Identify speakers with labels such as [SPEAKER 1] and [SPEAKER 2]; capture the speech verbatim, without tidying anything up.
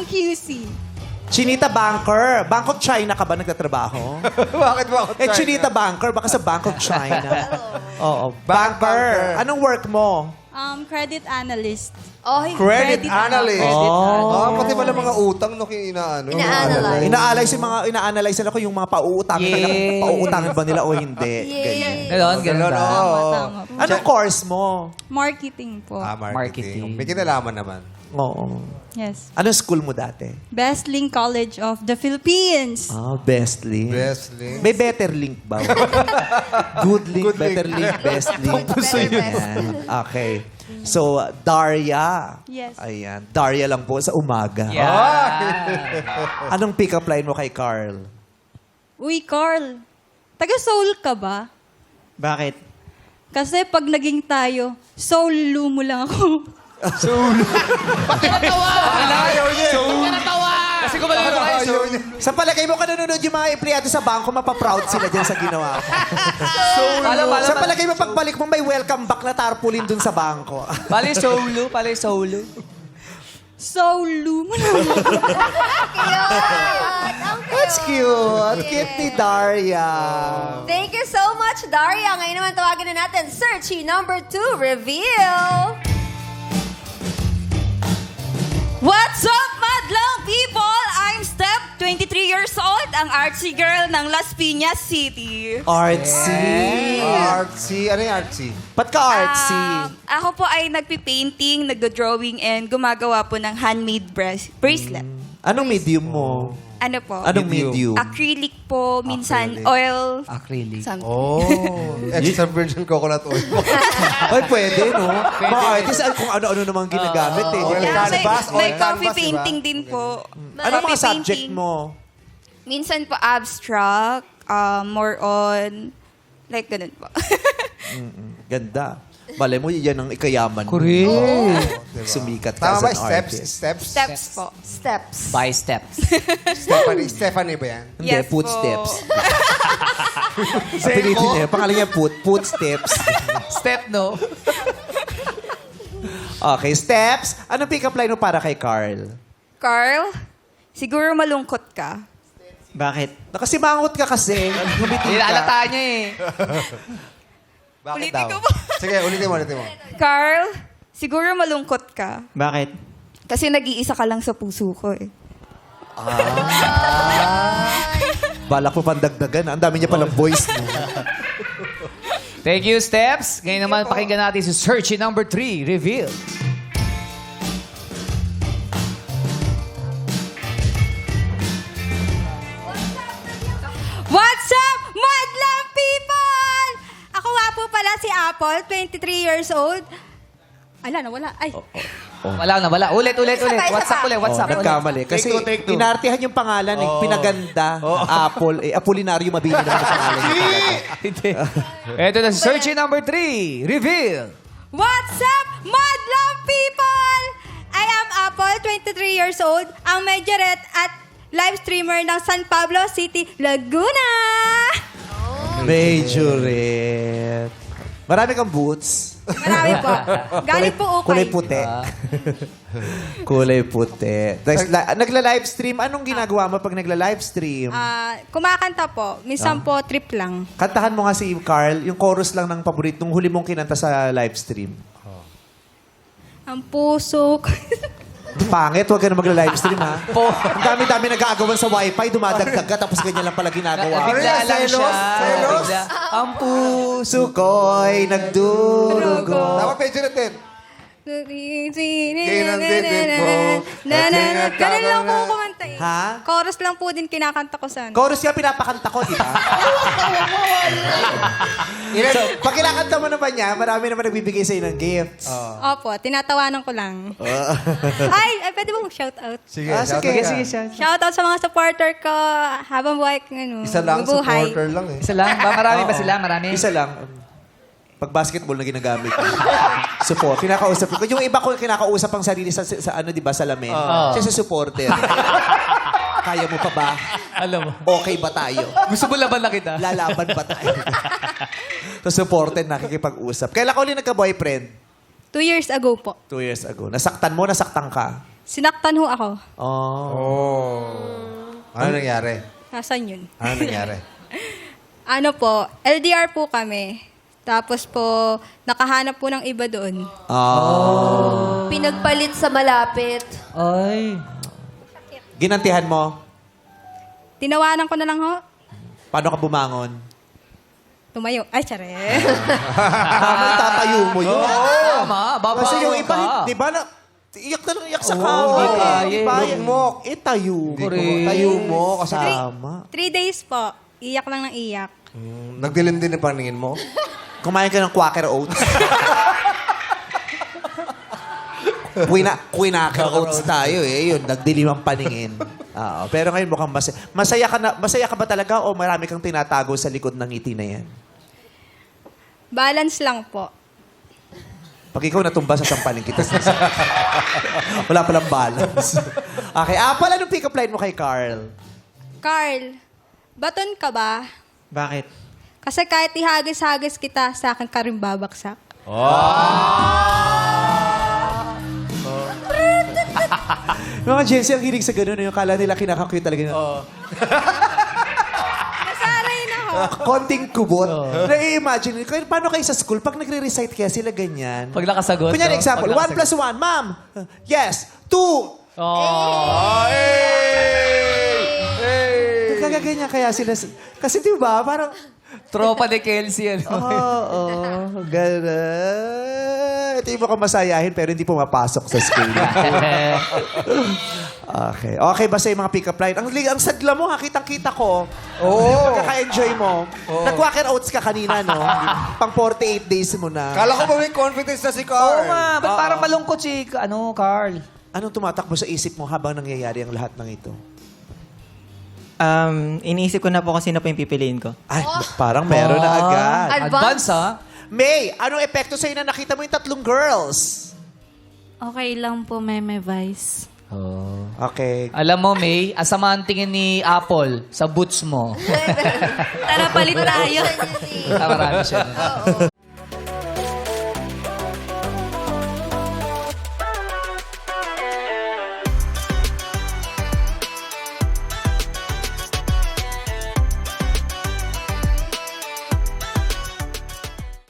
[SPEAKER 1] Q C.
[SPEAKER 2] Chinita Banker. Bank of China ka ba nagtatrabaho?
[SPEAKER 3] Bakit ba ako
[SPEAKER 2] eh, Chinita Banker. Baka sa Bank of China. Oo. Banker. Anong work mo?
[SPEAKER 1] Um, credit analyst.
[SPEAKER 4] Oh,
[SPEAKER 3] Credit analyst.
[SPEAKER 2] Oh.
[SPEAKER 3] Oh, pati pala mga utang no inaano.
[SPEAKER 4] Ina-analyze.
[SPEAKER 2] Ina-analyze yung mga ina-analyze nila kung yung mga pauutangin
[SPEAKER 5] Yeah.
[SPEAKER 2] nila, pauutangin ba nila o hindi. Ganyan.
[SPEAKER 5] Ganon, ganon ba?
[SPEAKER 1] Tama, tama po.
[SPEAKER 2] Anong course mo?
[SPEAKER 1] Marketing po.
[SPEAKER 3] Ah, marketing.
[SPEAKER 5] Marketing.
[SPEAKER 3] May kinalaman naman.
[SPEAKER 2] Oo.
[SPEAKER 1] Yes.
[SPEAKER 2] Anong school mo dati?
[SPEAKER 1] Best Link College of the Philippines.
[SPEAKER 2] Ah, best link.
[SPEAKER 3] Best link.
[SPEAKER 2] May better link ba? Good link,
[SPEAKER 3] Good
[SPEAKER 2] better
[SPEAKER 3] link.
[SPEAKER 2] link, best link.
[SPEAKER 4] Better, best.
[SPEAKER 2] Ayan. Okay. So, Daria.
[SPEAKER 1] Yes.
[SPEAKER 2] Ayan. Daria lang po sa umaga.
[SPEAKER 5] Yeah.
[SPEAKER 2] Anong pick-up line mo kay Carl?
[SPEAKER 1] Uy, Carl. Taga-soul ka ba?
[SPEAKER 2] Bakit?
[SPEAKER 1] Kasi pag naging tayo, soul mo lang ako.
[SPEAKER 3] Ayaw niya.
[SPEAKER 5] Kasi kung malulog kayo, so...
[SPEAKER 3] Ayaw niya.
[SPEAKER 2] Sa palagay mo, kanunod yung mga empleyado sa bangko, mapaproud sila dyan sa ginawa ko.
[SPEAKER 5] Alam, alam,
[SPEAKER 2] Sa palagay mo, pagbalik mo, may welcome back na tarpaulin dun sa bangko.
[SPEAKER 5] Pali solo, pali solo.
[SPEAKER 1] Soul mo lang ako.
[SPEAKER 2] That's cute. Cute ni Daria.
[SPEAKER 4] Thank you so much, Daria. Ngayon naman tawagin na natin, Searchy number two, reveal.
[SPEAKER 6] What's up, madlang people? I'm Steph, twenty-three years old, ang artsy girl ng Las Piñas City.
[SPEAKER 2] Artsy.
[SPEAKER 3] Artsy. Ano yung artsy?
[SPEAKER 2] Ba't ka artsy?
[SPEAKER 6] Ah, ako po ay nagpipainting, nagdo-drawing, and gumagawa po ng handmade bras- bracelet.
[SPEAKER 2] Anong medium mo?
[SPEAKER 6] Ano po?
[SPEAKER 2] Anong
[SPEAKER 3] Medium.
[SPEAKER 2] medium?
[SPEAKER 6] Acrylic po, minsan
[SPEAKER 3] Acrylic.
[SPEAKER 6] oil.
[SPEAKER 5] Acrylic.
[SPEAKER 6] Something.
[SPEAKER 3] Oh. Extra virgin coconut oil.
[SPEAKER 2] Ay, pwede, no? Mga artist, kung ano-ano namang ginagamit, eh.
[SPEAKER 3] oil
[SPEAKER 2] Di ba?
[SPEAKER 6] Yeah, may,
[SPEAKER 3] canvas,
[SPEAKER 6] may
[SPEAKER 3] oil
[SPEAKER 6] coffee
[SPEAKER 3] canvas,
[SPEAKER 6] painting
[SPEAKER 3] diba?
[SPEAKER 6] din po.
[SPEAKER 2] Ano mga
[SPEAKER 6] Coffee
[SPEAKER 2] subject
[SPEAKER 6] painting.
[SPEAKER 2] mo?
[SPEAKER 6] Minsan po abstract, uh, more on, like ganun po.
[SPEAKER 2] Ganda. Balay mo, yan ang ikayaman mo.
[SPEAKER 5] Correct.
[SPEAKER 2] Sumikat ka
[SPEAKER 3] Tama ba?
[SPEAKER 2] as an
[SPEAKER 3] Steps?
[SPEAKER 2] artist.
[SPEAKER 3] Steps?
[SPEAKER 6] Steps po.
[SPEAKER 4] Steps.
[SPEAKER 5] By steps.
[SPEAKER 3] Stephanie, Stephanie ba yan?
[SPEAKER 2] Hindi,
[SPEAKER 6] Yes
[SPEAKER 2] footsteps.
[SPEAKER 6] po.
[SPEAKER 2] Apelitin niya. Pangalan niya, foot, footsteps.
[SPEAKER 5] Step, no?
[SPEAKER 2] Okay, steps. Anong pick-up line mo para kay Carl?
[SPEAKER 6] Carl, siguro malungkot ka.
[SPEAKER 2] Bakit? Nakasimangot ka kasi. Ngumiti ka.
[SPEAKER 5] Nilalata niya eh.
[SPEAKER 3] Bakit
[SPEAKER 6] Ulitin
[SPEAKER 3] daw?
[SPEAKER 6] ko ba?
[SPEAKER 3] Sige, ulitin mo, ulitin mo.
[SPEAKER 6] Carl, siguro malungkot ka.
[SPEAKER 2] Bakit?
[SPEAKER 6] Kasi nag-iisa ka lang sa puso ko eh.
[SPEAKER 2] Balak mo pandagdagan. Ang dami niya palang voice mo.
[SPEAKER 5] Thank you, Steps. Ngayon naman, pakinggan natin si Searchy number three, reveal.
[SPEAKER 1] What's up, madlang people? Ako nga po pala si Apple, twenty-three years old. Ala, nawala. Ay,
[SPEAKER 5] Wala na, wala. Ulit, ulit, ulit.
[SPEAKER 4] Isa pa,
[SPEAKER 5] What's up
[SPEAKER 4] isa
[SPEAKER 5] ulit,
[SPEAKER 2] Oh,
[SPEAKER 5] what's up?
[SPEAKER 2] nagkamali. Kasi
[SPEAKER 3] Take two, take two.
[SPEAKER 2] inartihan yung pangalan, eh. Pinaganda. Apple. Eh, Apolinario Mabini naman ang pangalan niya.
[SPEAKER 5] Hindi. Ito na si Searchy number three, reveal.
[SPEAKER 1] what's up, madlang people? I am Apple, twenty-three years old, ang majorette at live streamer ng San Pablo City, Laguna.
[SPEAKER 2] Majorette. Marami kang boots.
[SPEAKER 1] Marami po. Galing po ukay.
[SPEAKER 2] Kulay puti. Kulay puti. Tapos, la- nagla-live stream. Anong ginagawa mo pag nagla-live stream?
[SPEAKER 1] Ah, kumakanta po. Minsan po, trip lang.
[SPEAKER 2] Kantahan mo nga si Carl, yung chorus lang ng paboritong huli mong kinanta sa live stream.
[SPEAKER 1] Ang puso ko.
[SPEAKER 2] Pangit, huwag ka na magla-live stream, ha? Ang dami-dami nag-aagawan sa wifi, dumadagdag ka, tapos ganyan lang pala ginagawa.
[SPEAKER 5] Bigla lang siya.
[SPEAKER 3] Selos? Selos?
[SPEAKER 5] Bigla. Ang puso.
[SPEAKER 2] Puso ko'y nagdurugo.
[SPEAKER 3] Tama, page natin.
[SPEAKER 1] Ganun lang po kumanta eh.
[SPEAKER 2] Ha?
[SPEAKER 1] Chorus lang po din kinakanta ko sana.
[SPEAKER 2] Chorus nga pinapakanta ko, di ba? so, pag kinakanta mo naman niya, marami naman nagbibigay sa'yo ng gifts.
[SPEAKER 1] Opo, tinatawanan ko lang. ay, ay, pwede ba mag-shoutout?
[SPEAKER 3] Sige,
[SPEAKER 2] Ah,
[SPEAKER 3] shout
[SPEAKER 2] sige,
[SPEAKER 3] out
[SPEAKER 2] sige,
[SPEAKER 3] ka.
[SPEAKER 2] siya.
[SPEAKER 1] Shoutout sa mga supporter ko habang buhay ko, ano,
[SPEAKER 3] Isa lang,
[SPEAKER 1] mabuhay.
[SPEAKER 3] supporter lang eh.
[SPEAKER 5] Isa lang? Ba, marami ba sila? Marami?
[SPEAKER 2] Isa lang. Pag basketball na ginagamit ko. Support. Kinakausap ko. Yung iba ko kinakausap ang sarili sa, sa, sa ano, di ba, salamin. Siya sa supporter. Kaya mo pa ba?
[SPEAKER 5] Alam mo.
[SPEAKER 2] Okay ba tayo?
[SPEAKER 5] Gusto mo laban na kita?
[SPEAKER 2] Lalaban ba tayo? sa supporter, nakikipag-usap. Kailan ka ulit nagka-boyfriend?
[SPEAKER 1] Two years ago po.
[SPEAKER 2] Two years ago. Nasaktan mo, nasaktan ka?
[SPEAKER 1] Sinaktan ho ako.
[SPEAKER 2] Oh.
[SPEAKER 3] Oh. Ano nangyari?
[SPEAKER 1] Nasaan yun?
[SPEAKER 3] Ano nangyari?
[SPEAKER 1] Ano po, L D R po kami. Tapos po, nakahanap po ng iba doon.
[SPEAKER 2] Oh.
[SPEAKER 4] Pinagpalit sa malapit.
[SPEAKER 5] Ay.
[SPEAKER 2] Ginantihan mo?
[SPEAKER 1] Tinawanan ko na lang ho.
[SPEAKER 2] Paano ka bumangon?
[SPEAKER 1] Tumayo. Ay, tsare.
[SPEAKER 2] Paano tatayo mo yun?
[SPEAKER 5] Tama, babaw
[SPEAKER 2] Kasi yung iba,
[SPEAKER 5] ka.
[SPEAKER 2] di ba na, iyak na lang iyak sa
[SPEAKER 5] Oo,
[SPEAKER 2] kama.
[SPEAKER 5] hindi
[SPEAKER 2] eh.
[SPEAKER 5] kaya,
[SPEAKER 2] Di ba?
[SPEAKER 5] eh.
[SPEAKER 2] Mo. Eh, tayo.
[SPEAKER 5] Correct.
[SPEAKER 2] Tayo mo.
[SPEAKER 3] Kasi
[SPEAKER 2] Kasama.
[SPEAKER 1] Three days po. Iyak lang ng iyak.
[SPEAKER 3] Mm, nagdilim din ang paningin mo.
[SPEAKER 2] Kumain ka ng Quaker Oats. Quina, Quinaker Oats tayo eh. Yun, nagdilim ang paningin. Oo. Pero ngayon mukhang masaya. Masaya ka, na, masaya ka ba talaga o marami kang tinatago sa likod ng ngiti na yan?
[SPEAKER 1] Balance lang po.
[SPEAKER 2] Pag ikaw natumba sa sampaling kita. Wala palang balance. Okay. Ah, pala nung pick-up line mo kay Carl.
[SPEAKER 1] Carl, baton ka ba?
[SPEAKER 7] Bakit?
[SPEAKER 1] Kasi kahit ihagis-hagis kita, sa akin ka rin babaksak.
[SPEAKER 2] Mga Jensi, ang hilig sa ganun. Yung kala nila kinakakuyo talaga.
[SPEAKER 1] Nasanay na ho.
[SPEAKER 2] Konting kubot. Na-imagine, kaya paano kayo sa school? Pag nagre-recite kaya sila ganyan.
[SPEAKER 5] Pag nakasagot.
[SPEAKER 2] Kunyari,
[SPEAKER 5] no?
[SPEAKER 2] example,
[SPEAKER 5] Pag
[SPEAKER 2] one
[SPEAKER 5] nakasagot.
[SPEAKER 2] plus one, ma'am. Yes. Two.
[SPEAKER 5] Oh.
[SPEAKER 2] Kagaganyan kaya sila. Kasi di ba, parang,
[SPEAKER 5] Tropa ni Kelsey, ano?
[SPEAKER 2] oo, oh, gano'n. Ito yung mukhang masayahin pero hindi pumapasok sa school. Okay. Okay ba sa mga pick-up line? Ang, ang sadla mo, ha? Kitang-kita ko. Oo. Yung pagkaka-enjoy mo. Nag-Quaker Oats ka kanina, no? Pang forty-eight days mo na.
[SPEAKER 3] Kala ko ba may confidence na si Carl?
[SPEAKER 5] Oo nga, ba't parang malungkot si, ano, Carl?
[SPEAKER 2] Anong tumatakbo sa isip mo habang nangyayari ang lahat ng ito?
[SPEAKER 7] Um, iniisip ko na po kung sino pa yung pipiliin ko.
[SPEAKER 2] Ay, parang meron na agad.
[SPEAKER 4] Advance?
[SPEAKER 5] Advance, ha?
[SPEAKER 2] May, anong epekto sa'yo na nakita mo yung tatlong girls?
[SPEAKER 6] Okay lang po, Meme Vice.
[SPEAKER 5] Oh.
[SPEAKER 2] Okay.
[SPEAKER 5] Alam mo, May, asama ang tingin ni Apple sa boots mo.
[SPEAKER 6] Tara, palit tayo.
[SPEAKER 5] Ah, marami siya.